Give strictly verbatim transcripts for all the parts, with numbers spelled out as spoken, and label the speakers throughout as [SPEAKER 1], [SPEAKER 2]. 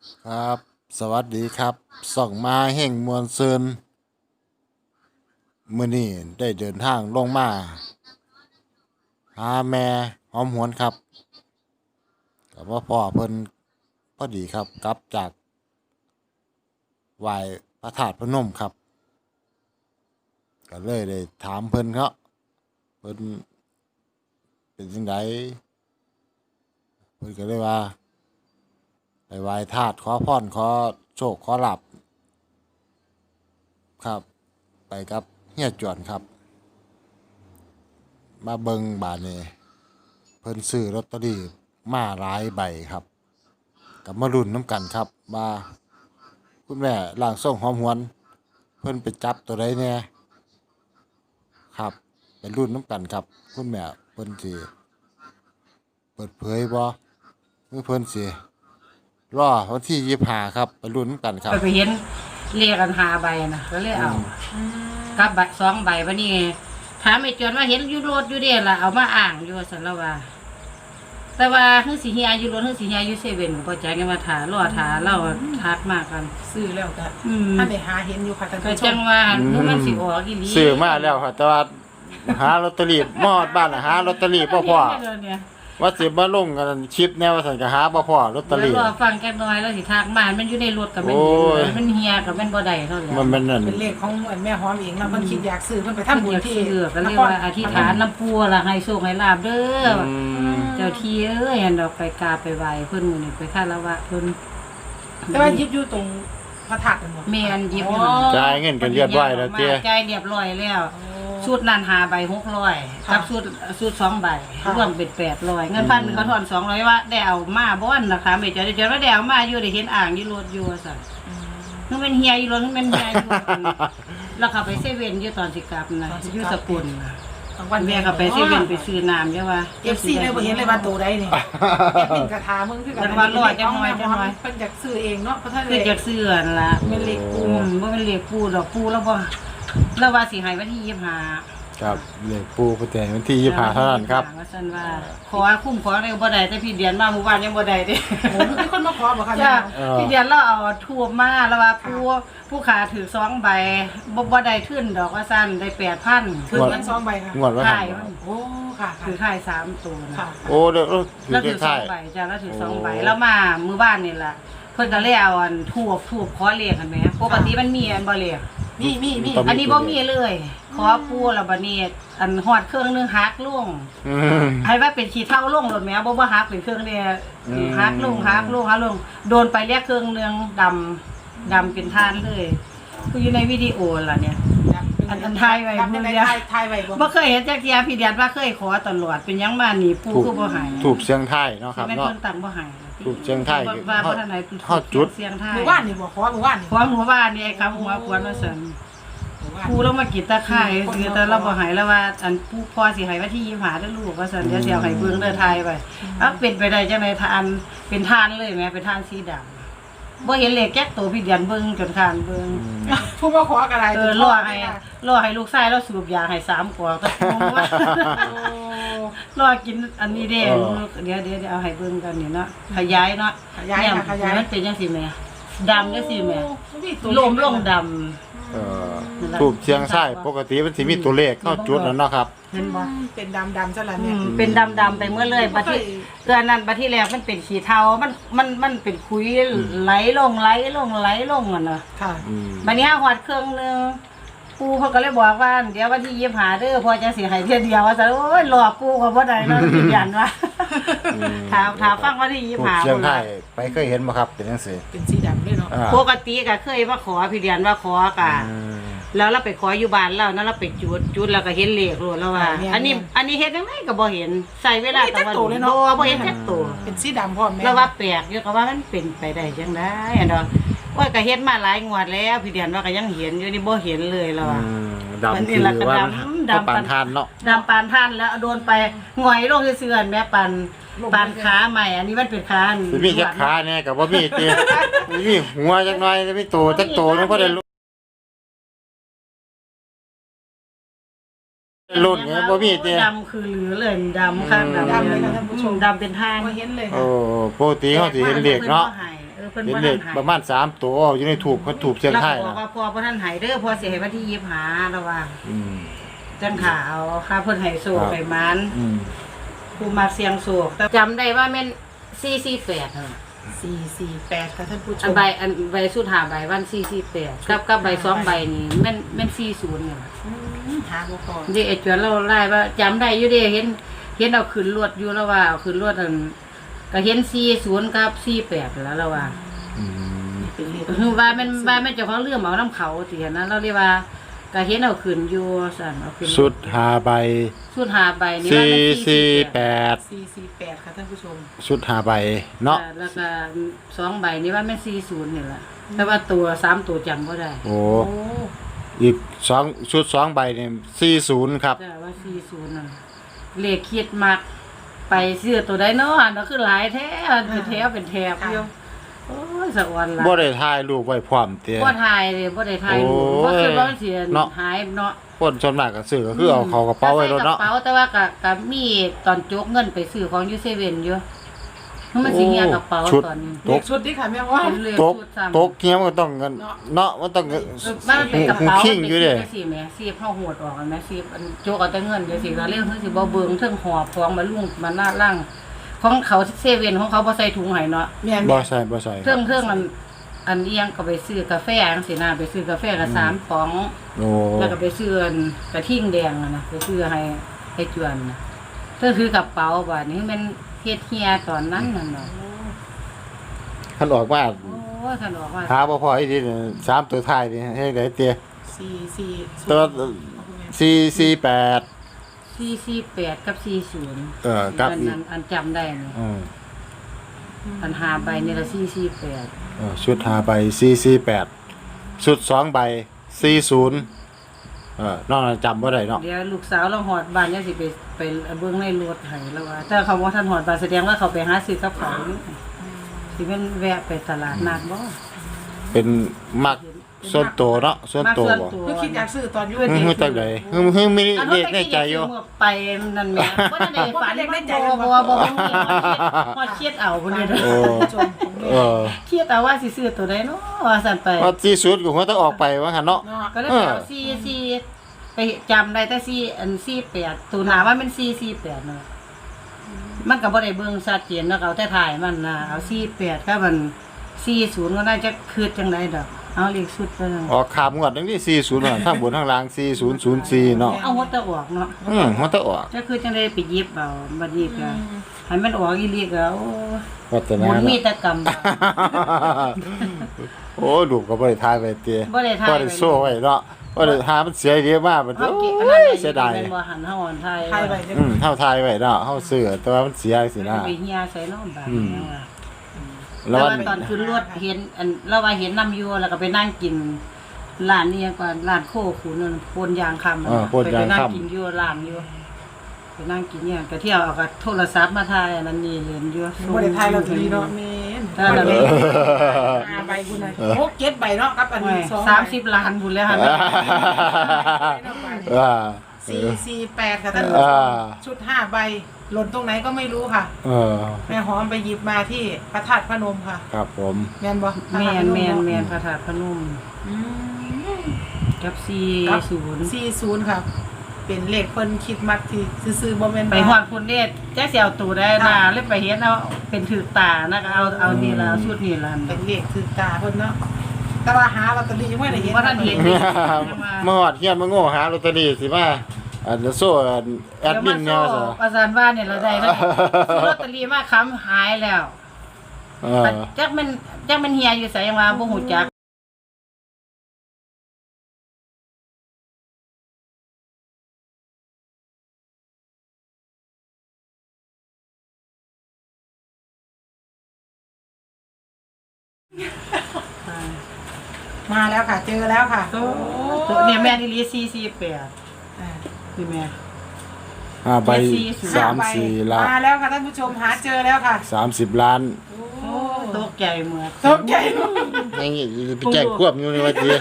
[SPEAKER 1] ครับสวัสดีครับส่องมาแห่งมวลซืนมื้อนี้ได้เดินทางลงมาหาแม่หอมหวนครับกับว่าพ่อเพิ่นพอดีครับกลับจากไหว้พระธาตุพนมครับก็เลยได้ถามเพิ่นเขาเพิ่นเป็นจังไดเพิ่นก็เลยว่าไปไหว้ธาตุขอพรขอโชคขอลาภครับไปกับเฮียจวนครับมาเบิ่งบาดนี้เพิ่นซื้อลอตเตอรี่มาหลายใบครับกับมาลุ้นน้ำกันครับว่าคุณแม่ร่างทรงหอมหวนเพิ่นไปจับตัวใดแน่ครับเป็นรุ่นน้ำกันครับคุณแม่เพิ่นสิเปิดเผยบ่หรือเพิ่นสิรอวันที่ยี่สิบห้าครับไปรุ่นน้ำกันครับ
[SPEAKER 2] ไปไปเห็นเรียกกันหาใบนะก็เลยเอากับใบสองใบวันนี้ถามไอ้จวนว่าเห็นอยู่รถอยู่เด้ล่ะเอามาอ่างอยู่สันละว่า แต่ว่าเฮือสิเฮียอยู่รถเฮือสิเฮียอยู่เซเว่นก็บ่จักกันว่าถารอถาเล่าทักมากกัน
[SPEAKER 3] ซื้อแล้วก็
[SPEAKER 2] อืม
[SPEAKER 3] ถ้าไปหาเห็นอยู่ค่ะท่าน
[SPEAKER 2] ก็
[SPEAKER 3] ผู้ช
[SPEAKER 2] จั
[SPEAKER 3] ม
[SPEAKER 2] งว่ามื้อมันสิออกอีหลี
[SPEAKER 1] ซื้อมาแล้วครับแต่ว่าหาลอตเตอรี่มอดบ้านน่ะหาลอตเตอรี่บ่พอว่าสิมาลงกันคลิปแนวว่าซั่นก็หาบ่พอลอตเตอ
[SPEAKER 2] แล้ว
[SPEAKER 1] รี่
[SPEAKER 2] รอฟังแกน้อยแล้วสิทักมามันอยู่ในรถกับมัน
[SPEAKER 1] โอ้ย
[SPEAKER 2] มันเฮียกับมันบ่ได้เท่าไหร่
[SPEAKER 1] มันมันนั่น
[SPEAKER 3] เป็นเลขของแม่หอมเองแล้วมันคิดอยากซื้อเพิ่นไป
[SPEAKER 2] ท่าน
[SPEAKER 3] ทำบุ
[SPEAKER 2] บุ
[SPEAKER 3] ญ
[SPEAKER 2] ญ
[SPEAKER 3] ที่
[SPEAKER 2] ที่เลือกก็เรียกว่าอธิษฐานน้ำปูล่ะให้โชคให้ลาบเด้ออ
[SPEAKER 1] อืม
[SPEAKER 2] เจ้าที่เอ้ยอันดอกไปกราบไปไหว้เพิ่นมื้อนี้ไปคารวะเพิ่น
[SPEAKER 3] แต่ว่ายิบอยู่ตรงพระธาตุกันหมด
[SPEAKER 2] แม่นหยิบ
[SPEAKER 3] อ๋
[SPEAKER 2] อยู่
[SPEAKER 3] อ
[SPEAKER 1] จ่ายเงินกันเรียบร้อยแล้วเจ้
[SPEAKER 2] จ่ายเรียบร้อยแล้วชุดนั้นหาใบหกร้อย
[SPEAKER 3] ค่ะ
[SPEAKER 2] กับชุดชุดสองใบ
[SPEAKER 3] ค่ะ
[SPEAKER 2] รวมเป็นแปดร้อยเงินพันเขาทอนสองร้อยว่าได้เอามาบ่อนนะคะไม่เจอได้เจอว่าได้เอามาอยู่ได้เห็นอ่างอยู่รถอยู่ว่าซั่นมันเป็นเฮียอยู่รถมันเป็นเฮียอยู่แล้วเขาไปเซเว่นอยู่ตอนสิกลับนะอยู่สกุลนะ
[SPEAKER 3] กลางวัน
[SPEAKER 2] แม่ก็ไปเซเว่นไปซื้อน้ำใช่ป่ะ
[SPEAKER 3] เอฟซีเลยบ่เห็นเลยว่าตัวใดนี่แอดมินกระทามึงคือกั
[SPEAKER 2] แต่ว่ารอดจังหน่อยจังหน่อย
[SPEAKER 3] เพิ่นอยากซื้อเองเนาะเพราะท่าน
[SPEAKER 2] คือจากเสื้อนั่นล่ะ
[SPEAKER 3] เป็นเลข
[SPEAKER 2] อื
[SPEAKER 3] ปู
[SPEAKER 2] มบ่เป็นเลขปูดอกปูแล้วบ่แล้วว่าสิให้วันที่ยี่สิบห้า
[SPEAKER 1] ครับเลขปูประแจวันที่ยี่สิบห้าเท่านั้นครับ
[SPEAKER 2] ว่าซั่นว่าขอคุ้มขอได้บ่ได้แต่พี่เดือนมาเมื่อวานยังบ่ได้เด้
[SPEAKER 3] โอ้มีคนมาขอบ่ค่ะแม่
[SPEAKER 2] จ้า
[SPEAKER 1] เออ
[SPEAKER 2] พี่เดือนเราเอาทูบมาแล้วว่าผู้ผู้ขาถือสองใบบ่บ่ได้ขึ้นดอกว่าซั่นได้ แปดพัน
[SPEAKER 3] ถือเงินสองใบค่ะ
[SPEAKER 1] งวดว่า
[SPEAKER 2] ถ่าย
[SPEAKER 1] ทำ
[SPEAKER 3] โอ้ค่ะค่ะ
[SPEAKER 2] ถือถ่ายสามตัวนะ
[SPEAKER 3] ค่ะ
[SPEAKER 1] โอ้เดี๋ยวเออถือ
[SPEAKER 2] แล้ว
[SPEAKER 1] เล
[SPEAKER 2] ถื
[SPEAKER 1] ข
[SPEAKER 2] อสอ
[SPEAKER 1] ท้าง ย
[SPEAKER 2] ใบจ้าแล้วถือสองใบ
[SPEAKER 1] โอ้
[SPEAKER 2] แล้วมามื้อบ้านนี่ล่ะเพิ่นก็เลยเอาอันทูบทูบขอเลขกันแหมปกติมันมีอันบ่เลข
[SPEAKER 3] มีมีมี
[SPEAKER 1] ต้อง
[SPEAKER 2] อันนี้บ่มีเลย ขอปูแล้วบัดนี้อันฮอดเครื่องนึงหักลง
[SPEAKER 1] อืม
[SPEAKER 2] ให้ว่าเป็นขี้เท่าลงรถแหมบ่ว่าหักเป็นเครื่องเดียว
[SPEAKER 1] อืม
[SPEAKER 2] หักลงหักลงหักลงโดนไปเรียกเครื่องนึงดำดำเป็นทานเลยคืออยู่ในวิดีโอล่ะเนี่ย อันอันถ่ายไว้
[SPEAKER 3] ทำได้ถ่ายถ่ายไว้บ่
[SPEAKER 2] บ่เคยเห็นจักเที่ยพี่เดียนว่าเคยขอตลอดเป็นหยังมานี่ปู
[SPEAKER 1] ถูก
[SPEAKER 2] คือบ่ใหาย
[SPEAKER 1] ถูกเสียงไทายเนาะครับ
[SPEAKER 2] แม่น
[SPEAKER 1] เนาะ
[SPEAKER 2] เพิ่นตั้งบ่ใหาย
[SPEAKER 1] ถูกเชียงไทย
[SPEAKER 2] ว่าบ่ทันไหน
[SPEAKER 1] ทอดจุด
[SPEAKER 2] เสียงไทย
[SPEAKER 3] หมู่บ้านนี่บ่ขอหมู่บ้านนี่
[SPEAKER 2] ขอหมู่บ้านนี่ไอ้คำหัวควนว่าซั่น
[SPEAKER 3] หมู่บ้าน
[SPEAKER 2] ปูเรามากินตะไคร้คือแต่เราบ่ใหายแล้วว่าอันปูพอสิให้วันที่ยี่สิบห้าเด้อลูกว่าซั่นเดี๋ยวสิเอาให้เบิ่งเด้อทายไปเอ้าเป็นไปได้จังได๋ทานเป็นทานเลยแหม่เป็นทานสีดำบ่เห็นเลขแก๊กโตพี่เดียนเบิ่งจนคานเบิ่ง
[SPEAKER 3] ผู้มาขออะไร
[SPEAKER 2] เออรอให้รอให้ลูกชายเราสูบยาให้สามกว่าตะคงว่า รอกินอันนี้เด้
[SPEAKER 1] เออ
[SPEAKER 2] เดี๋ยวเดี๋ยวเดี๋ยวเอาให้เบิ่งกันนี่เนาะขยายเนาะ
[SPEAKER 3] ขยาย
[SPEAKER 2] เนี่
[SPEAKER 3] ค่ะขยาย
[SPEAKER 2] มันเป็นจังซี่แหม่ดำจังซี่แหม่
[SPEAKER 3] ตัว
[SPEAKER 2] ลมลงดำ
[SPEAKER 1] เอ่อถูกเชียงไทยปกติมันสิมีตัวเลขเข้าจุดนั่นเนาะครับ
[SPEAKER 2] เห็นบ่
[SPEAKER 3] เป็นดำดำซะแล้ว
[SPEAKER 2] อื
[SPEAKER 3] เนี่ย
[SPEAKER 2] มเป็นดำๆไปเมื่อเลยบัดที่เดือนนั้นบัดที่แล้วมันเป็นสีเทามันมันมันเป็นคุยไหลลงไหลลงไหลลงอ่ะเนาะ
[SPEAKER 3] ค่ะ
[SPEAKER 1] อืม
[SPEAKER 2] บัดนี้หอดเครื่องนึงปูเขาก็เลยบอกว่าเดี๋ยววันที่ยี่สิบห้าเด้อพอจะสิให้เที่ยเดียวว่าซั่นโอ้ยรอปูก็บ่ได้เนาะยืนยันว่าถามถามฟังวันที่ยี่สิ
[SPEAKER 1] ถู
[SPEAKER 2] บ
[SPEAKER 1] ก
[SPEAKER 2] ห้า
[SPEAKER 1] เชียงไทยไปเคยเห็นบ่ครับเป็นจังซี่
[SPEAKER 3] เป็นสีดำด้วยเนาะ
[SPEAKER 1] อ่า
[SPEAKER 2] ปกติก็เคยมาขอพี่เดือนว่าขอกะ
[SPEAKER 1] อืม
[SPEAKER 2] แล้วเราไปขออยู่บ้านแล้วนั่นเราไปจุดจุดแล้วก็เห็นเลขโลดแล้วว่า อันนี้อันนี้เฮ็ดจังไดก็บ่เห็นใส่เวลาตะวันบ่บ่เห็นจักตัว
[SPEAKER 3] เป็นสีดำพร้อมแม่
[SPEAKER 2] แล้วว่าแปลกอยู่ก็ว่ามันเป็นไปได้จังได๋อันดอกว่าก็เฮ็ดมาหลายงวดแล้วพี่เดือนว่าก็ยังเห็นอยู่นี่บ่เห็นเลยแล้วว่า
[SPEAKER 1] อืมดำ
[SPEAKER 2] มันนี่
[SPEAKER 1] คือ
[SPEAKER 2] ล่ะก็
[SPEAKER 1] ว่า
[SPEAKER 2] ดำ
[SPEAKER 1] มัน
[SPEAKER 2] ดำ
[SPEAKER 1] ปานทานเนาะ
[SPEAKER 2] ดำปานท่านแล้วโดนไปหงอยลงซื่อๆแม่ปันปานขาใหม่ อันนี้มันเป็นขาอัน
[SPEAKER 1] สิมีจักขาแน่ก็บ่มีติมีหัวจักหน่อยมีตัวจักโตนึงพอได้รุ่นไงบ่มีติ
[SPEAKER 2] ดำคือเหลือเลยดำข้างดำ
[SPEAKER 3] ดำเลยค่ะท่านผู้ชม
[SPEAKER 2] ดำเป็นทาง
[SPEAKER 3] มาเห็นเลย
[SPEAKER 1] โอ้
[SPEAKER 3] ค่ะ
[SPEAKER 1] ปกติเฮาสิเห็นเลขเนาะ
[SPEAKER 2] เออ
[SPEAKER 3] เพิ่น
[SPEAKER 1] เห็น
[SPEAKER 3] บ่
[SPEAKER 1] เล
[SPEAKER 3] ทั
[SPEAKER 1] ข
[SPEAKER 3] นหาย
[SPEAKER 1] ประมาณสามตัวอยู่ในถูกเพิ่นถูกเสียง
[SPEAKER 2] แล้ว
[SPEAKER 1] ไท
[SPEAKER 2] ก็
[SPEAKER 1] ย
[SPEAKER 2] บอก
[SPEAKER 1] นะ
[SPEAKER 2] ว่าพอบ่ทันหายเด้อพอสิให้วันที่ยี่สิบห้าแล้วว่า
[SPEAKER 1] อืม
[SPEAKER 2] จังขาเอาค่ะเพิ่นให้โศก
[SPEAKER 1] ครับ
[SPEAKER 2] ให้หมัน
[SPEAKER 1] อืม
[SPEAKER 2] ผู้มาเสียงโศกแต่จำได้ว่าแม่นสี่สี่แปดนั่นล่ะ
[SPEAKER 3] สี่สี่แปดค่ะท่านผู้ช
[SPEAKER 2] อัน
[SPEAKER 3] ม
[SPEAKER 2] ใบอันใบสุดหาใบวันสี่สี่แปดกับกับใบสองใบนี่แม่นแม่นสี่ศูนย์นี่ล่ะ
[SPEAKER 3] อืมหาบ่พอ
[SPEAKER 2] เด็กไอ้จวนเราไล่ว่าจำได้อยู่เด้เห็น เห็นเอาขึ้นรวดอยู่แล้วว่าเอาขึ้นรวดอันก็เห็นสี่ศูนย์กับสี่แปดแล้วแล้วว่า
[SPEAKER 1] อืม
[SPEAKER 3] เป็นเลข
[SPEAKER 2] คือว่ามันว่ามันเจ้าของเรื่องเอาน้ำเขาสินะเราเรียกว่าก็เห็นเอาขึ้นอยู่สั่นเอาขึ้น
[SPEAKER 1] สุดหาใบ
[SPEAKER 2] สุดหาใบนี่ว่า
[SPEAKER 1] สี่
[SPEAKER 2] มัน
[SPEAKER 1] สี่แปด
[SPEAKER 3] สี่สี่แปดค่ะท่านผู้ชม
[SPEAKER 1] สุดหาใบเนาะ
[SPEAKER 2] แล้วก็สองใบนี่ว่าแม่นสี่ศูนย์นี่แหละแต่ว่าตัวสามตัวจำบ่ได้
[SPEAKER 1] โอ้
[SPEAKER 3] โอ้
[SPEAKER 1] อีกสองชุดสองใบเนี่ยสี่ศูนย์ครับ
[SPEAKER 2] แต่ว่าสี่ศูนย์นั่นเลขคิดมักไปซื้อตัวใดเนาะอันนั้นคือหลายแท้เป็นแถวเป็นแถบอยู่โอ้ยสะออนละ
[SPEAKER 1] บ่ได้ถ่ายรูปไว้พร้อมเตี้ย
[SPEAKER 2] บ่ทายเลยบ่ได้ทาย
[SPEAKER 1] โอ้ย
[SPEAKER 2] บ่คือว่ามันสิ
[SPEAKER 1] เนาะ
[SPEAKER 2] หายเนาะ
[SPEAKER 1] คนส่วนมากก็ซื้อก็คือเอาเขากระเป๋าไว้รถเนาะ
[SPEAKER 2] กระเป๋าแต่ว่าก็ก็มีตอนจกเงินไปซื้อของอยู่เซเว่นอยู่มันสิเฮียกระเป๋า
[SPEAKER 1] ชุด
[SPEAKER 2] ตอนนี้
[SPEAKER 3] เลขชุดนี้ค่ะแม่ว่า
[SPEAKER 2] เป็นเลข
[SPEAKER 1] ตก
[SPEAKER 2] ชุดซ้ำ
[SPEAKER 1] ตกเงี้ยมันก็ต้องเงินเนาะมันต้องเงิน
[SPEAKER 2] มันเป็นกระเป๋า
[SPEAKER 1] คิงอยู่เด้
[SPEAKER 2] มันเป็นสีแหม่สีเฮาโหดออกกันแหม่สีอันโจกเอาแต่เงินเดี๋ยวสิก็เรื่องคือสิบ่เบิ่งเทิงหอบของมาลุ่งมาหน้าล่างของเขาเซเว่นของเขาบ่ใส่ถุงให้เนาะ
[SPEAKER 3] แม่น
[SPEAKER 1] บ่ใส่บ่ใส่ค
[SPEAKER 2] เทิ
[SPEAKER 1] รับ
[SPEAKER 2] งเทิงอันอันเอียงก็ไปซื้อกาแฟจังซี่นะไปซื้อกาแฟก็สามป๋อง
[SPEAKER 1] โอ้
[SPEAKER 2] แล้วก็ไปซื้ออันกระทิ่งแดงอะนะไปซื้อให้ให้จวนนะเพิ่นคือกระเป๋าบาดนี้มันเฮ็ดเฮียตอนนั้นนั่นเนาะ
[SPEAKER 1] คันออกมา
[SPEAKER 2] โอ้ยคันบอกว่า
[SPEAKER 1] หาบ่พออีทีนี่สามตัวท้ายนี่เฮ็ดได้เตี้ย
[SPEAKER 3] สี่สี่
[SPEAKER 1] ตัวสี่สี่แปด
[SPEAKER 2] สี่สี่แปดกับสี่ศูนย์
[SPEAKER 1] เออกับ
[SPEAKER 2] อัน
[SPEAKER 1] อีก
[SPEAKER 2] นั้นอันจำได้นี่
[SPEAKER 1] อืม
[SPEAKER 2] อันหาใบนี่ละสี่สี่แปด
[SPEAKER 1] เออชุดหาใบสี่สี่แปดชุดสองใบสี่ศูนย์เออนอกนั้นจำบ่ได้เนาะ
[SPEAKER 2] เดี๋ยวลูกสาวเราหอดบ้านเนี่ยสิไปไปเบิ่งในรถให้แล้วว่าถ้าเขาว่าท่านหอดบ้านแสดงว่าเขาไปหาซื้อกับเขาวอยู่สิเป็นแวะไปตลาดนัดบ่
[SPEAKER 1] เป็นมักส่วนตัวเนาะส่วนตัวบ่
[SPEAKER 3] คือคิดอยากซื้อตอนอยุ่
[SPEAKER 1] ฮึ่มฮึ่มจังไดฮึ่มฮึ่มมี
[SPEAKER 2] อัน
[SPEAKER 1] เล
[SPEAKER 2] นั้น
[SPEAKER 1] ขในใจอยู่
[SPEAKER 2] เมื่อไปนั่นแหม่บ่ได้ฝันบ่บ่บ่บ่ฮอดเครียดเอาพุ่นนี่
[SPEAKER 1] โอ้
[SPEAKER 3] ท่านผู้ชมของแม่
[SPEAKER 1] เออ
[SPEAKER 2] เครียดเอาว่าสิซื้อตัวใดเนาะว่าซั่นไป
[SPEAKER 1] ว่าที่สุดก็หัวต้องออกไปว่าหั่นเนาะ
[SPEAKER 3] เนาะ
[SPEAKER 2] ก็เลยไปเอาสี่สี่ไปจำได้แต่สี่อันสี่แปดตัวหนาว่ามันสี่สี่แปดเนาะมันก็บ่ได้เบิ่งชัดเจนเนาะเอาแต่ถ่ายมันนะเอาสี่แปดก็มันสี่ศูนย์ก็ได้จะคืดจังไดดอกเอาเลขสุดไปนั่น
[SPEAKER 1] ออกขามงวดจังที่สี่ศูนย์น่ะทั้งบนทั้งล่างสี่ศูนย์ศูนย์สี่เนาะ
[SPEAKER 2] เอาหัวตะออกเนาะ
[SPEAKER 1] อืมหัวต้องออก
[SPEAKER 2] จะคือจังไดไปหยิบเอาบัดนี้ก็ให้มันออกอีหลีก็โอ้
[SPEAKER 1] วัฒ
[SPEAKER 2] ห
[SPEAKER 1] นา
[SPEAKER 2] มุนมี
[SPEAKER 1] เนาะ
[SPEAKER 2] แตะกรรม
[SPEAKER 1] โอ้ลูกก็บ่ได้ทายไว้เตี้ย
[SPEAKER 2] บ่ได้ถ่าย
[SPEAKER 1] บ่ได้โซ่ไว้เนาะบ่ได้หามันเสียเยอะมากมัน
[SPEAKER 2] เฮา
[SPEAKER 1] โอ้
[SPEAKER 2] เก็บอันนั้น
[SPEAKER 1] ย
[SPEAKER 2] ได้
[SPEAKER 1] เสียดาย
[SPEAKER 2] แม่นบ่หันเฮาอ่อนไทย
[SPEAKER 3] ไทยไปเด้อ
[SPEAKER 1] อืมเฮาทายไว้เนาะเฮาซื้อแต่ว่ามันเสียสินะ
[SPEAKER 2] ไปเฮียใส่เนาะบาด
[SPEAKER 1] อืม
[SPEAKER 2] นี้ว่า
[SPEAKER 1] แล้
[SPEAKER 2] แล้ว ว
[SPEAKER 1] มัน
[SPEAKER 2] ตอนขึ้นรถเห็นอันเราว่าเห็นน้ำอยู่แล้วก็ไปนั่งกินร้านนี้ก่อนร้านโคขุนนโพนยางคำอะ
[SPEAKER 1] เออโพนยาง
[SPEAKER 2] ไปนั่ง
[SPEAKER 1] ค่ำ
[SPEAKER 2] กินอยู่ร้านอยู่ไปนั่งกินเนี่ยก็เที่ยวเอากับโทรศัพท์มาถ่ายอันนั้นนี่เล่นอยู่
[SPEAKER 3] บ่ได้ทายเราทีเนาะแม่น
[SPEAKER 2] ถ้าเรา
[SPEAKER 3] เล
[SPEAKER 2] เล่
[SPEAKER 3] ย
[SPEAKER 2] น
[SPEAKER 3] ห้าใบคุณน่ะโอ้เจ็ดใบเนาะกับอันนี้สองใบ
[SPEAKER 2] สามสิบล้านบุญแล้วฮะ
[SPEAKER 1] อ่า
[SPEAKER 3] สี่สี่แปดค่ะท่านผู้ช
[SPEAKER 1] อ่า
[SPEAKER 3] มชุดห้าใบหล่นตรงไหนก็ไม่รู้ค่ะ
[SPEAKER 1] เออ
[SPEAKER 3] แม่หอมไปหยิบมาที่พระธาตุพนมค่ะ
[SPEAKER 1] ครับผม
[SPEAKER 3] แม่นบ่
[SPEAKER 2] แมนแมนแม
[SPEAKER 3] น
[SPEAKER 2] นพระธาตุพนมกับสี่ศูนย์
[SPEAKER 3] สี่ศูนย์ค่ะ เป็นเลขเพิ่นคิดมักที่ซื้อๆบ่แม่น
[SPEAKER 2] ไปฮอดพุ่นเดชแจ๊กสิเอาตูได้นะเลยไปเห็นเอาเป็นถือตานะก็เอาเอานี่ละเอาชุดนี่ละ
[SPEAKER 3] เป็นเลขคือตาเพิ่นเนาะแต่ว่าหาลอตเตอรี่ยังไม่ได้เห็น
[SPEAKER 2] ว่าท่านเห็น
[SPEAKER 1] เมื่อวานเฮียนมาโง่หาลอตเตอรี่สิมาอันโซ่อันแอดมินเนี่ย
[SPEAKER 2] เดี๋
[SPEAKER 1] ซะ
[SPEAKER 2] ยวมาโซ่ประสานว่าเนี่ยเราได้แล้วซื้อลอตเตอรี่มาค้ำหายแล้ว
[SPEAKER 1] เออ
[SPEAKER 2] จักมันจักมันเฮียอยู่ไสยังว่าบ่ฮู้จักอ่า
[SPEAKER 3] มาแล้วค่ะ เจอแล้วค่ะ
[SPEAKER 2] โตโตเนี่ยแม่นี่ลีสี่สี่แปด
[SPEAKER 3] อ่า
[SPEAKER 2] คือแม่
[SPEAKER 1] ห้าใบ
[SPEAKER 2] สี่ศูนย์
[SPEAKER 1] สามสี่ล้าน
[SPEAKER 3] มาแล้วค่ะท่านผู้ชมหาเจอแล้วค่ะ
[SPEAKER 1] สามสิบล้าน
[SPEAKER 2] โอ้ตกใจเหมือน
[SPEAKER 3] ตกใจเนาะ
[SPEAKER 1] ยังงี้ไปแจ้งควบอยู่ในวันที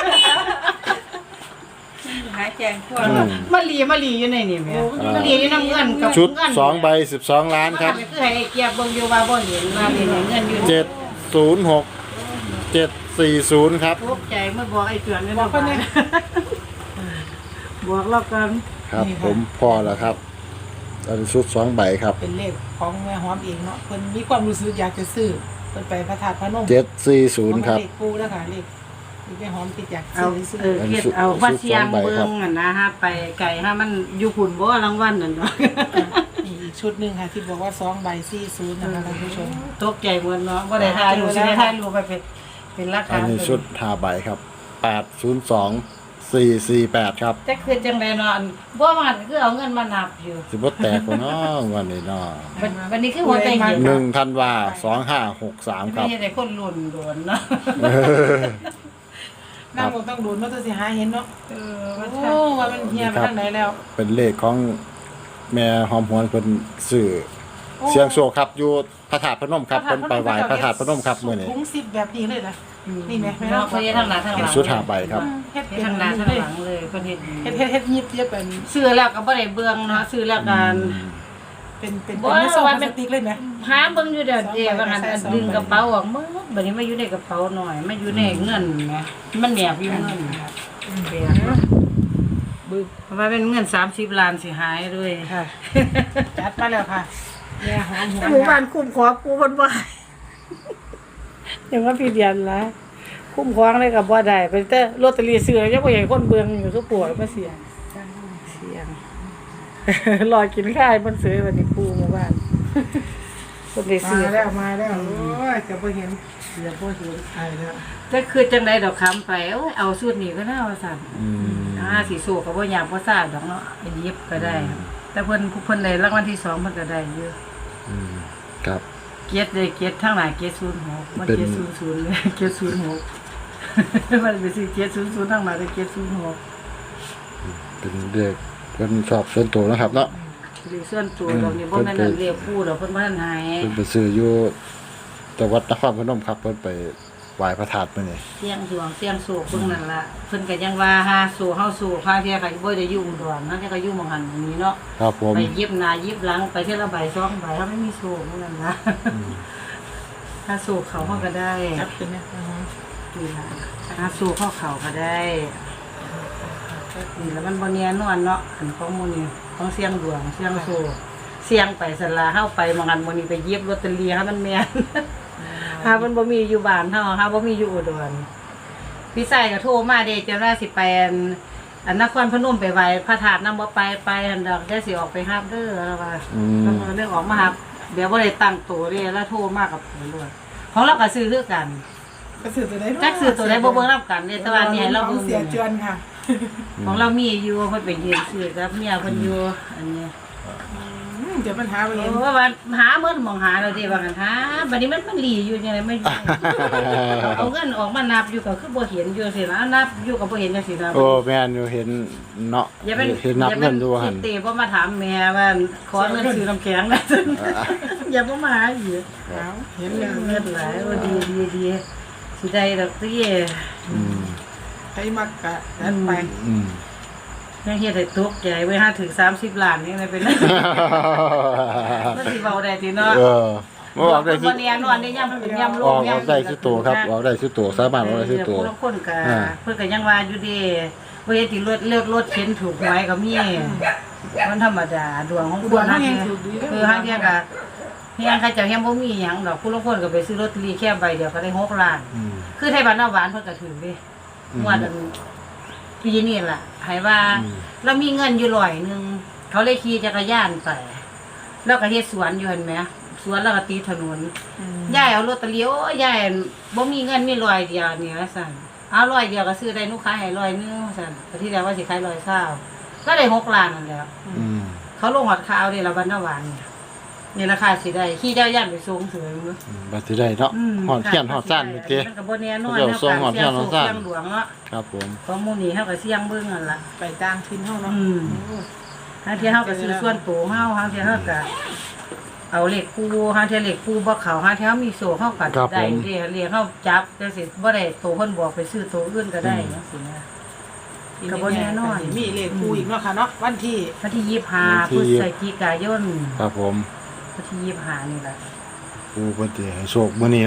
[SPEAKER 3] หาแจงพวก
[SPEAKER 1] อืม
[SPEAKER 2] มาลีมาลีอยู่ในนี่แม่
[SPEAKER 3] โอ้
[SPEAKER 2] มาลีอยู่น้ำเงินกับ
[SPEAKER 1] ชุด
[SPEAKER 2] เงิน
[SPEAKER 1] สองใบสิบสองล้านครับ
[SPEAKER 2] คือให้เกียบเบิ่งอยู่ว่าบ่เห็นว่านี่เงินอยู่
[SPEAKER 1] เจ็ดศูนย์หกเจ็ดสี่ศูนย์ครับ
[SPEAKER 2] ตกใจเมื่อบอกไอ้เตือนนี่
[SPEAKER 3] บอกเพิ่นเนี่ย
[SPEAKER 2] บอกเรากัน
[SPEAKER 1] ครับ
[SPEAKER 3] นี่ค่ะ
[SPEAKER 1] ผมพอแล้วครับอันนี้ชุดสองใบครับ
[SPEAKER 3] เป็นเลขของแม่หอมเองเนาะเพิ่นมีความรู้สึกอยากจะซื้อเพิ่นไปพระธาตุพนม
[SPEAKER 1] เจ็ดสี่ศูนย์ครับ
[SPEAKER 3] เลขปูแล้วค่ะเลขเลขแม่หอมติดอยาก
[SPEAKER 2] เอา
[SPEAKER 3] ซื้อซื้อ
[SPEAKER 2] เออเฮ็ดเอาว่าเสียงเบิ่งอ่ะนะฮะไปไก่ฮะมันอยู่หุ่นบ่รางวัลนั่นเนาะ
[SPEAKER 3] นี่อีกชุดหนึงค่ะที่บอกว่าสองใบสี่ศูนย์นะคะท่านผู้ชม
[SPEAKER 2] ตกใจเหมือนเนาะบ่ได้ถ่ายรูปสิได้ถ่ายรูปไปเป็นเป็นหลัก
[SPEAKER 1] อั
[SPEAKER 2] ฐาน น
[SPEAKER 1] นี้ชุดห้าใบครับแปดศูนย์สองสี่สี่แปดครับ
[SPEAKER 2] แต่คือจังได๋เนาะอันบ่มันคือเอาเงินมานับอยู่
[SPEAKER 1] สิบ่แตกกว่าน้องวันนี้เนาะ
[SPEAKER 2] วันวันนี้คือหัวใจเย็น
[SPEAKER 1] หนึ่งธันวาสองห้าหกสามค
[SPEAKER 2] ไม่
[SPEAKER 1] รับ
[SPEAKER 2] ใช่แต่คนหล่นโดนเนาะ
[SPEAKER 3] นั่งบนต้องดูนว่าตัวสิหาเห็นเนาะ
[SPEAKER 2] เออว่า
[SPEAKER 3] โอ้ว่ามันเฮียไปทางไหนแล้ว
[SPEAKER 1] เป็นเลขของแม่หอมหวนเพิ่นสื่อเสียงโชคครับอยู่พระธาตุพนมครับเพิ่นไปไหว้พระธาตุพนมครับมื้อนี้
[SPEAKER 3] ถุงซิปแบบนี้เลยนะนี่ไหม
[SPEAKER 2] เนาะเขาเฮ็ดทางหน้าทางหลัง
[SPEAKER 1] ชุดห้าใบครับ
[SPEAKER 3] เฮ็ด
[SPEAKER 2] เฮ็
[SPEAKER 3] เป็
[SPEAKER 2] ด
[SPEAKER 3] น
[SPEAKER 2] ทางหน้าทางหลังเลยเพิ่นเฮ็ดดี
[SPEAKER 3] เฮ็ดเฮ็ดเฮ็ดยิบเย็บเป็น
[SPEAKER 2] ซื้อแล้วก็บ่ได้เบิ่งเนาะซื้อแล้วก็
[SPEAKER 3] เป็นเป็นเป็นไม่ซองพลาสติกเลยไหม
[SPEAKER 2] หาเบิ่งอยู่เดี๋ยวเดี๋ยวว่าหันอันดึงกระเป๋าออกมื้อบัดนี้มาอยู่ในกระเป๋าหน่อยมาอยู่ในเงินแหมมันแนบอยู่เงินเปียกเนาะ
[SPEAKER 3] บึ้ง
[SPEAKER 2] เพราะว่าเป็นเงินสามสิบล้านสิหายด้วย
[SPEAKER 3] ค่ะจัดมาแล้วค่ะแม่หอมหัว
[SPEAKER 2] หมู่บ้านคุ้มครองกูเพิ่นบ่ให้ยังว่าพี่เดียนละคุ้มครองเลยก็บ่ได้เป็นแต่ลอตเตอรี่ซื้อยังบ่เห็นคนเบิ่งอยู่คือปวดมาเสียเสียง รอกินข้าวมันซื้อวันนี้ปูหมู่บ้านคนได้ซื้อ
[SPEAKER 3] มาแล้วมาแล้วโอ้ยจะบ่เห็น
[SPEAKER 2] เดี๋ยวบ่เห็น
[SPEAKER 3] ไอ้แล้ว
[SPEAKER 2] แต่คือจังไดดอกคำไปโอ้ยเอาสูตรนี้ก็น่าว่าซั่น
[SPEAKER 1] อืม
[SPEAKER 2] อ่าสิสู้ก็บ่ยากบ่ซ่าดอกเนาะไปหยิบก็ได้ แต่เพิ่นผู้เพิ่นได้รางวัลที่สองเพิ่นก็ได้อยู่
[SPEAKER 1] อืมครับ
[SPEAKER 2] เกียรติเลยเกียรติทั้งหลายเกียรติศูนย์หกมัน
[SPEAKER 1] เป็น
[SPEAKER 2] เกียรติศูนย์ศูนย์เลยเกียรติศูนย์หก มันไปซื้อเกียรติศูนย์ศูนย์ทั้งหลายเลยเกียรติศูนย์หก
[SPEAKER 1] เป็นเลขเพิ่นชอบส่วนตัวนะครับเนาะ
[SPEAKER 2] หรือส่วนตัวดอกนี่บ่แม่นอันเรียกผู้ดอกเพิ่นบ่ทันหาย
[SPEAKER 1] เพิ่นไปซื้ออยู่จังหวัดนครพนมครับเพิ่นไปไหว้พระธาตุมื้อนี้
[SPEAKER 2] เสียงดวงเสียงโศกเพิ่นนั่นล่ะเพิ่นก็ยังว่าหาสู่เฮาสู่พาเที่ยก็บ่ได้อยู่อุดรนั่นก็อยู่หม่องหันหม้องนี้เนาะ
[SPEAKER 1] ครับผม
[SPEAKER 2] ไปยิบหน้ายิบหลังไปเที่ยวละใบสองใบเฮาไม่มีโศกนั่นล่ะถ้าสู่เขาเฮาก็ได้
[SPEAKER 3] จับเป็นเนี่ยอือฮึ
[SPEAKER 2] นี่ล่ะถ้าสู่เข้าเขาก็ได้นี่แล้วมันบ่เนียนนอนเนาะอันของหมู่นี่ของเสียงดวงเสียงโศกเสียงไปสลาเฮาไปหม่องหันหม้องนี้ไปเย็บลอตเตอรี่ให้มันแม่น หามันบ่มีอยู่บ้านเฮาหาบ่มีอยู่อุดรพี่ชายก็โทรมาเด้จะว่าสิไปอันอันนครพนมไปไหว้พระธาตุนำบ่ไปไปอันดอกได้สิออกไปรับเด้อแล้วว่า
[SPEAKER 1] อืม
[SPEAKER 2] แล้วก็เรื่องออกมารับเดี๋ยวบ่ได้ตั้งตัวเด้แล้วโทรมากับผมด้วยของเราก็ซื้อคือกัน
[SPEAKER 3] ก็ซื้อตัวใดเนาะ
[SPEAKER 2] จักซื้อตัวใดบ่เบิ่งรับกันเด้แต่ว่านี่ให้เรา
[SPEAKER 3] ขอ
[SPEAKER 2] เบิ่
[SPEAKER 3] ง
[SPEAKER 2] ง
[SPEAKER 3] เสียจวนค่ะ
[SPEAKER 2] ของเรามีอยู่เพิ่นไปยืนซื้อกับเมียเพิ่นอยู่อันนี้
[SPEAKER 3] อืมเดี๋ยวมันหาไปเห็น
[SPEAKER 2] โอ้ว่าหาเมื่อมองหาเราเด้ว่ากันหาบัดนี้มันมันหลีอยู่จังไดไม่อยู่ เอาเงินออกมานับอยู่ก็คือบ่เห็นอยู่สินะนับอยู่ก็บ่เห็นจังซี่นะ
[SPEAKER 1] โอ้แม่นอยู่เห็นเนาะ
[SPEAKER 2] อย่าเป็น
[SPEAKER 1] เห็นนับเงินดูหั่น
[SPEAKER 2] เตบ่มาถามแม่ว่าขอเงินซื้อน้ำแข็งนะ อย่าบ่มาหาอีก
[SPEAKER 3] เอาเห็น
[SPEAKER 2] เงิ
[SPEAKER 3] แล้ว
[SPEAKER 2] นหลายว่าดีดีดีสิได้ดอกติ
[SPEAKER 1] อืม
[SPEAKER 3] ใครมักกะจัดไป
[SPEAKER 1] อืม
[SPEAKER 2] ยังเฮ็ดให้ตกใจไว้หาถึงสามสิบล้านนี่ได้เป็นไรมันสิเว้าได้ติเนาะ
[SPEAKER 1] เออบ่ออกได้
[SPEAKER 2] บ่แน่นอนได้ยามเป็นยามล
[SPEAKER 1] ออง กออกได้สุดตัวครับออกได้สุดตัวสามารถออกได้สุดตัว
[SPEAKER 2] ผู้ละคนก็
[SPEAKER 1] อ่า
[SPEAKER 2] เพิ่นก็ยังว่าอยู่เด้บ่เฮ็ดที่รถเลือกรถเข็นถูกหวยก็มีมันธรรมดาดวงของคนฮะคือฮางเที่ยก็เฮียงเขาเจ้าเฮียงบ่มีหยังดอกผู้ละคนก็ไปซื้อลอตเตอรี่แค่ใบเดียวก็ได้หกล้าน
[SPEAKER 1] อืม
[SPEAKER 2] คือไทยบ้านนาหวานเพิ่นก็ถือเด้
[SPEAKER 1] อืม
[SPEAKER 2] งวดอันปีนี้ล่ะให้ว่า
[SPEAKER 1] อืม
[SPEAKER 2] เรามีเงินอยู่ร้อยหนึงเขาเลยขี่จักรยานไปแล้วก็เฮ็ดสวนอยู่เห็นไหมสวนแล้วก็ตีถนน ยายเอาลอตเตอรี่โอ้ยายบ่มีเงินมีร้อยเดียวนี่ว่าซั่นเอาร้อยเดียวก็ซื้อได้หนูขายให้ร้อยหนึงว่าซั่นแต่ที่แรกว่าสิขายร้อยเศร้าก็ได้หกล้านนั่นแหล้ว
[SPEAKER 1] อืม
[SPEAKER 2] เขาลงหอดข่าวนี่ละวันนาวานนี่นี่ราคาสิได้ขี่จักรยานไปส่งเสริม
[SPEAKER 1] อืมบัดสิได้เนาะหอดเทียนหอดซ่านเมื่อกี้
[SPEAKER 2] มันก็บ่แน่นอน
[SPEAKER 1] เดี๋ยวส่งหอดเทียนหอดซ่าน
[SPEAKER 2] เสียงหลวงเนาะ
[SPEAKER 1] ครับผม
[SPEAKER 2] ของหมู่นี้เฮาก็เสี่ยงเบิ่งนั่นล่ะ
[SPEAKER 3] ไปต่างถิ่นเฮาเนาะ
[SPEAKER 2] อืม หาเที่ยเฮาก็ซื้อส่วนตัวเฮาหาเที่ยเฮาก็เอาเลขคู่หาเที่ยเลขคู่บ่เข้าหาเที่ยเฮามีโซ่เฮาก็ได้เด้เลขเฮาจับจังซี่บ่ได้ตัวเพิ่นบอกไปซื้อตัวอื่นก็ได้จังซี่นะ ก็บ่แน่นอน
[SPEAKER 3] มีเลขคู่อีกเนาะค่ะเนาะวันที่
[SPEAKER 2] วันที่ยี่สิบห้าพฤศจิกายน
[SPEAKER 1] ครับผม
[SPEAKER 2] วันที่ยี่สิบห้านี่แหละ
[SPEAKER 1] ผู้เพิ่นสิให้โชคมื้อนี้เนาะ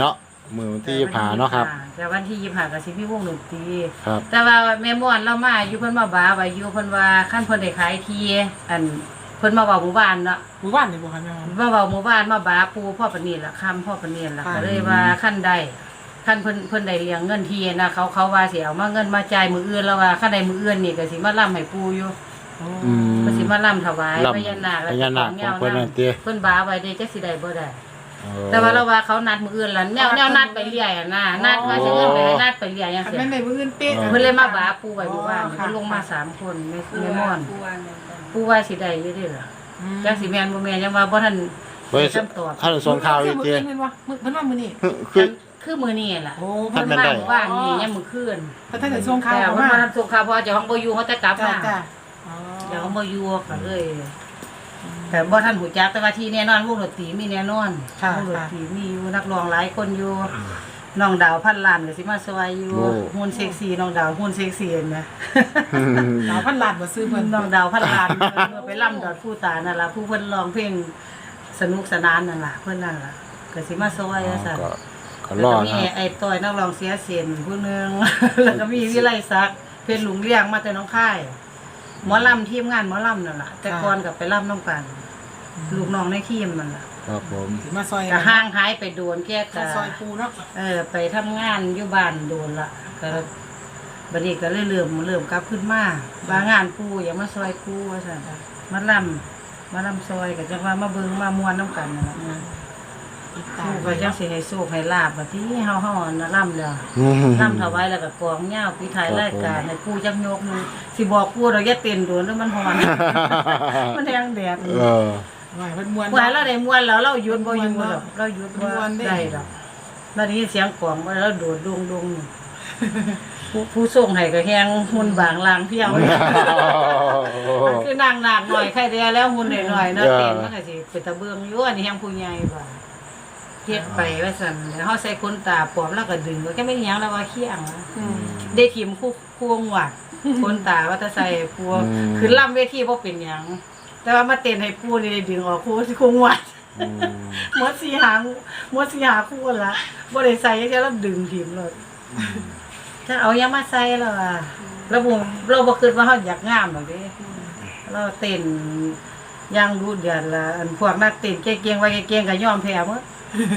[SPEAKER 1] มือวันที่ยี่สิบห้าเนาะครับ
[SPEAKER 2] แต่วันที่ยี่สิบห้าก็สิมีวงดนตรี
[SPEAKER 1] ครับ
[SPEAKER 2] แต่ว่าแม่ม่วนเรามาอยู่เพิ่นมาบาไว้อยู่เพิ่นว่าคันเพิ่นได้ขายที่อันเพิ่นมาเว้าหมู่บ้านเนาะ
[SPEAKER 3] หมู่บ้านนี่บ่คะแม่หอม
[SPEAKER 2] มาเว้าหมู่บ้านมาบาปูพ่อปานนี้ล่ะค่ำพ่อปานนี้ล่ะ
[SPEAKER 3] ค่ะ
[SPEAKER 2] ก็เลยว่าคันใดคันเพิ่นเพิ่นได้เลี้ยงเงินที่นะเขาเขาว่าสิเอามาเงินมาจ่ายมื้ออื่นแล้วว่าคันใดมื้ออื่นนี่ก็สิมาล่ำให้ปูอยู่
[SPEAKER 1] อืม
[SPEAKER 2] เพิ่นสิมาล่ำถวาย
[SPEAKER 1] รำ
[SPEAKER 2] พญานาค
[SPEAKER 1] พญานาคของเพิ่นนั่นติ
[SPEAKER 2] เพิ่นบาไว้ได้จักสิได้บ่ได้
[SPEAKER 1] เออ
[SPEAKER 2] แต่ว่าเราว่าเขานัดมื้ออื่นล่ะแนวแนวนัดไปเรื่อยอะนะนัดว่าสิเงินไปนัดไปเรื่อยจัง
[SPEAKER 3] คัน
[SPEAKER 2] ซี่
[SPEAKER 3] แม่นได้มื้ออื่นเป๊ะ
[SPEAKER 2] เพิ่นเลยมาบาปูไว้บ่ว่า
[SPEAKER 3] อ๋อค่ะ
[SPEAKER 2] เพิ่นลงมาสามคนแม่แม่ม่อน
[SPEAKER 4] ผู้ว่าแม่น
[SPEAKER 2] ปูว่าสิได้อยู่เด้อล่ะ
[SPEAKER 3] อืม
[SPEAKER 2] จักสิแม่นบ่แม่นยังว่าบ่ทัน
[SPEAKER 1] เพิ่น
[SPEAKER 2] คำตอบ
[SPEAKER 1] ท่านส่งข่าวอีก
[SPEAKER 3] มื้
[SPEAKER 1] ที
[SPEAKER 3] ออื่นเพิ่นว่ามื้อเพิ่นว่ามื้อนี้
[SPEAKER 1] คือ
[SPEAKER 2] คือมื้อนี้ล่ะ
[SPEAKER 3] โอ้
[SPEAKER 2] เพิ่น
[SPEAKER 1] ท่านแม่น
[SPEAKER 2] มา
[SPEAKER 1] ได้
[SPEAKER 2] เมื่อว่านนี่ยังมื้อคืน
[SPEAKER 3] เพิ่นท่านได้ส่งข่าว
[SPEAKER 2] แต่
[SPEAKER 3] เข้า
[SPEAKER 2] ว่า
[SPEAKER 3] มา
[SPEAKER 2] มันส่งข่าวเพอเจ้าของบ่อยู่เขาจะกลับ
[SPEAKER 3] จ้า
[SPEAKER 2] มา
[SPEAKER 3] จ้าอ๋อ
[SPEAKER 2] เดี๋ยวเขาบ่อยู่ก็เลยแต่บ่ทันหูจักแต่ว่าที่แน่นอนวงดนตรีมีแน่นอน
[SPEAKER 3] ค่ะ
[SPEAKER 2] วงดนตรีมีอยู่นักร้องหลายคนอยู่น้องดาวพันล้านก็สิมาซอยอยู่
[SPEAKER 1] โอ้
[SPEAKER 2] หุ่นเซ็กซี่น้องดาวหุ่นเซ็กซี่เห็นไหม
[SPEAKER 3] ดาวพันล้านบ่ซื้อเพิ่น
[SPEAKER 2] น้องดาวพันล้านเพิ่นไปล่ำดอดผู้ตานั่นล่ะผู้เพิ่นร้องเพลงสนุกสนานนั่นล่ะเพิ่นนั่นล่ะก็สิมาซอยว่าซั่น
[SPEAKER 1] ก็ก็
[SPEAKER 2] แล้ว
[SPEAKER 1] รอ
[SPEAKER 2] ก็
[SPEAKER 1] ด
[SPEAKER 2] มี
[SPEAKER 1] นะครับ
[SPEAKER 2] ไอ้ต้อยนักร้องเสียเสียนผู้หนึง แล้วก็มีวิไลศักดิ์เพชรหลุงเลี้ยงมาแต่น้องค่ายหมอลำทีมงานหมอลำนั่นล่ะแต่ก่อนกับไปล่ำน้องกันลูกน้องในทีมมันล่ะ
[SPEAKER 1] ครับผม
[SPEAKER 3] สิมาซอย
[SPEAKER 2] ก็ห่างหายไปโดนแก้กะ
[SPEAKER 3] มาซอยปูเนาะ
[SPEAKER 2] เออไปทำงานอยู่บ้านโดนละก็บัดนี้ก็เลยเริ่มเริ่มกลับขึ้นมาบางงานปูอย่ามาซอยปูว่าซั่นมาล่ำมาล่ำซอยก็จังว่ามาเบิ่งมามวนน้ำกันนั่นล่ะ
[SPEAKER 3] ติดตา
[SPEAKER 2] ปู
[SPEAKER 3] ม
[SPEAKER 2] ก็จังสิให้โชคให้ลาบบัดที่เฮาเฮาน่ะล่ำแล้ว
[SPEAKER 1] อืม
[SPEAKER 2] ล่ำถวายแล้วก็กองยาวปีท้ายรายการให้ปูจักยกหนึงสิบอกปูเราอย่าเต้นโดนแล้วมันฮ้อน มันแห้งแดด
[SPEAKER 1] เออ
[SPEAKER 3] ว่าเพิ่นม่วน
[SPEAKER 2] ว่าเราได้มวนแล้วเราหยุดบ่อยู่ดอกเราหยุดบ่
[SPEAKER 3] ม่วนเด้
[SPEAKER 2] ได้ดอกบัดนี้เสียงกลองบ่แล้วโดดดงดงผู้ผู้ส่งให้ก็แฮงหุ่นบางลางเพียงมันคือนางนากหน่อยใครได้แล้วหุ่นหน่อยๆเนาะเต้นมันก็สิเป็นตะเบืองอยู่อันนี้แฮงผู้ใหญ่บ่เฮ็ดไปว่าซั่นแล้วเฮาใส่ขนตาปลอมแล้วก็ดึงก็ไม่มีหยังแล้วว่าเคียง
[SPEAKER 3] อืม
[SPEAKER 2] ได้ทีมคู่คู่งวดขนตาว่าจะใส่ปัวคือล่ำเวทีบ่เป็นหยังแต่ว่ามาเต้นให้ปูนี่ได้ดึงออกคู่คู่งวด
[SPEAKER 1] อืม
[SPEAKER 2] หมดสีหางหมดสีหาคู่ละบ่ได้ใส่แค่เราดึงทีมเลยถ้าเอายังมาใส่แล้วอ่ะเราบ่เราบ่คิดว่าเฮาอยากงามดอกเด้เราเต้นย่างดูเดือดละอันพวกนักเต้นเก่งๆไว้เก่งๆก็ยอมแพ้หมด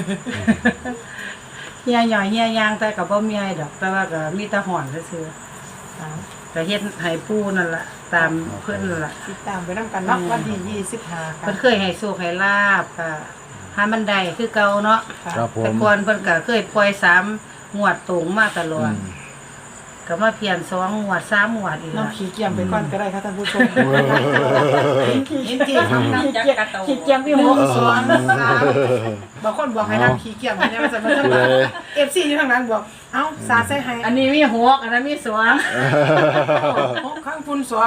[SPEAKER 2] เฮียหย่อยเฮียยางแต่ก็บ่มีให้ดอก แต่ว่าก็มีแต่ห่อนซื่อๆก็เฮ็ดให้ปูนั่นล่ะตามเพิ่นนั่นล่ะ
[SPEAKER 3] ติดตามไปนำกันเนาะวันที่ยี่สิบห้าค่ะ
[SPEAKER 2] เพิ่นเคยให้โชคให้ลาบค่ะหามันได้คือเก่าเนาะ
[SPEAKER 1] ครับผ
[SPEAKER 2] แต่
[SPEAKER 1] ม
[SPEAKER 2] ก่อนเพิ่นก็เคยปล่อยสามงวดตรงมาตลอ
[SPEAKER 1] อื
[SPEAKER 2] ด
[SPEAKER 1] ม
[SPEAKER 2] ก็มาเพียนสองงวดสามงวดอีก
[SPEAKER 3] น้อง
[SPEAKER 2] ละ
[SPEAKER 3] ขี้เกียจไปก่อนก็ได้ค่ะท่านผู้ชม
[SPEAKER 2] จริงๆ
[SPEAKER 4] น้ำจักกระโต
[SPEAKER 2] ขี้เกียจมีหกสอง
[SPEAKER 3] บางคนบอกให้น้ำขี้เกียจเนี่ยมันจะมาทำ
[SPEAKER 1] เลย
[SPEAKER 3] เอฟซีอยู่ทางนั้นบอก เอ้าสาดใส่ให้
[SPEAKER 2] อันนี้มีหกอันนั้นมีสอง
[SPEAKER 3] ข้างฝุ่นสว